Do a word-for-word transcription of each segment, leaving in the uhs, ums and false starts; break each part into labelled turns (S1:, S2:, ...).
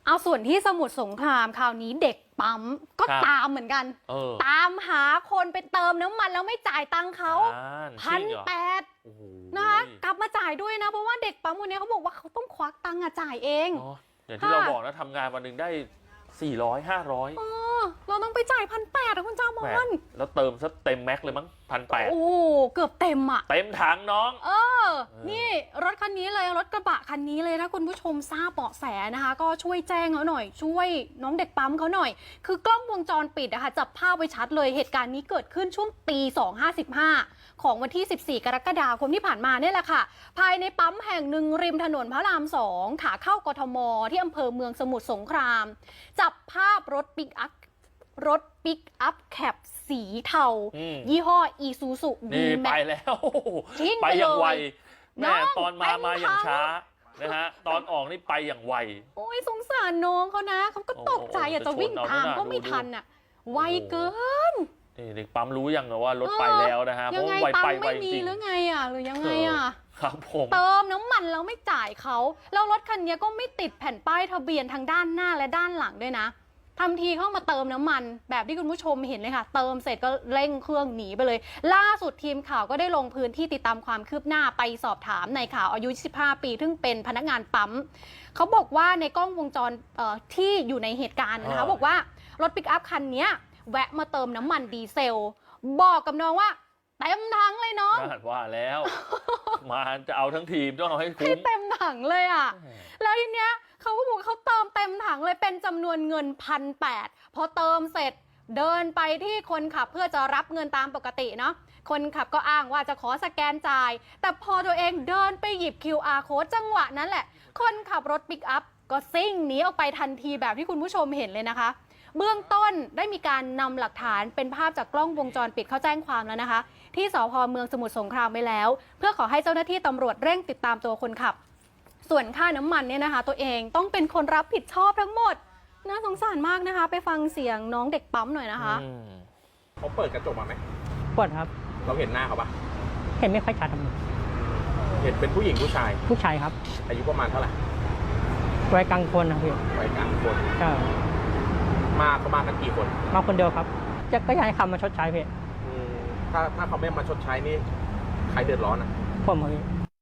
S1: เอาส่วนที่สมุทรสงครามคราวนี้เด็กปั๊มก็ตามเหมือนกันตามหาคนไปเติมน้ำมันแล้วไม่จ่ายตังค์เขาพันแปดนะคะกลับมาจ่ายด้วยนะเพราะว่าเด็กปั๊มคนนี้เขาบอกว่าเขาต้องควักตังค์จ่ายเอง
S2: อย่างที่เราบอกนะทำงานวันหนึ่งได้สี่ร้อยห้าร้อย
S1: เราต้องไปจ่ายพันแปดคุณจ้ามอน
S2: แล้วเติมซะเต็มแม็กเลยมั้งพันแปด
S1: โอ้เกือบเต็มอ่ะ
S2: เต็มถังน้อง
S1: เออนี่รถคันนี้เลยรถกระบะคันนี้เลยถ้าคุณผู้ชมทราบเบาะแสนะคะก็ช่วยแจ้งเขาหน่อยช่วยน้องเด็กปั๊มเขาหน่อยคือกล้องวงจรปิดนะคะจับภาพไว้ชัดเลยเหตุการณ์นี้เกิดขึ้นช่วงตีสองห้าสิบห้าของวันที่สิบสี่กรกฎาคมที่ผ่านมาเนี่ยแหละค่ะภายในปั๊มแห่งหนึ่งริมถนนพระรามสองขาเข้ากทมที่อำเภอเมืองสมุทรสงครามจับภาพรถปิกอัพรถปิกอัพแคปสีเทายี่ห้ออีซูซู
S2: ดีแม็กไปแล้วไปอย่างไวแม่ตอนมามาอย่างช้านะฮะตอนออกนี่ไปอย่างไว
S1: โอ้ยสงสารน้องเขานะเขาก็ตกใจอยากจะวิ่งตามก็ไม่ทันอ่ะไวเกิน
S2: เด็กปั๊มรู้ยังว่ารถไปแล้วนะฮะเพราะไวไปไวจริง
S1: หรือไงอ่ะหรือยังไงอ่ะ
S2: ครับผม
S1: เติมน้ำมันแล้วไม่จ่ายเขาแล้วรถคันนี้ก็ไม่ติดแผ่นป้ายทะเบียนทางด้านหน้าและด้านหลังด้วยนะทำทีเข้ามาเติมน้ำมันแบบที่คุณผู้ชมเห็นเลยค่ะเติมเสร็จก็เร่งเครื่องหนีไปเลยล่าสุดทีมข่าวก็ได้ลงพื้นที่ติดตามความคืบหน้าไปสอบถามนายข่าวอายุยี่สิบห้าปีซึ่งเป็นพนักงานปั๊มเขาบอกว่าในกล้องวงจรที่อยู่ในเหตุการณ์นะคะบอกว่ารถปิกอัพคันนี้แวะมาเติมน้ำมันดีเซลบอกกับน้องว่าเต็มถังเลยน้อง
S2: ว่าแล้วมาจะเอาทั้งทีมต้องเอาให้คุ้ม
S1: ให้เต็มถังเลยอ่ะแล้วทีเนี้ยเขาก็บอกเขาเติมเต็มถังเลยเป็นจำนวนเงินพันแปดพอเติมเสร็จเดินไปที่คนขับเพื่อจะรับเงินตามปกติเนาะคนขับก็อ้างว่าจะขอสแกนจ่ายแต่พอตัวเองเดินไปหยิบ คิว อาร์ code จังหวะนั้นแหละคนขับรถปิกอัพก็ซิ่งหนีออกไปทันทีแบบที่คุณผู้ชมเห็นเลยนะคะเบื้องต้นได้มีการนำหลักฐานเป็นภาพจากกล้องวงจรปิดเข้าแจ้งความแล้วนะคะที่สภ.เมืองสมุทรสงครามไปแล้วเพื่อขอให้เจ้าหน้าที่ตำรวจเร่งติดตามตัวคนขับส่วนค่าน้ำมันเนี่ยนะคะตัวเองต้องเป็นคนรับผิดชอบทั้งหมดน่าสงสารมากนะคะไปฟังเสียงน้องเด็กปั๊มหน่อยนะคะ
S3: เขาเปิดกระจกมาไหม
S4: เปิดครับ
S3: เราเห็นหน้าเขาปะ
S4: เห็นไม่ค่อยชัดครับ
S3: เห็นเป็นผู้หญิงผู้ชาย
S4: ผู้ชายครับ
S3: อายุประมาณเท่าไหร่
S4: วัยกลางคนนะพี่
S3: วัยกลางคน
S4: ใช่
S3: มาเขามากันกี่คน
S4: มาคนเดียวครับจะก็อยากให้คำมาชดใช้พี่
S3: ถ้าถ้าเขาไม่มาชดใช้นี่ใครเดือดร้อนนะ
S4: ผมพี่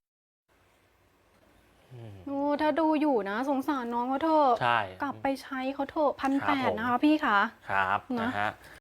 S1: โอ้ถ้าดูอยู่นะสงสารน้องเขาเถอะ
S2: ใช่
S1: กลับไปใช้เขาเถอะพันแปดนะคะพี่คะ
S2: ครับนะฮะ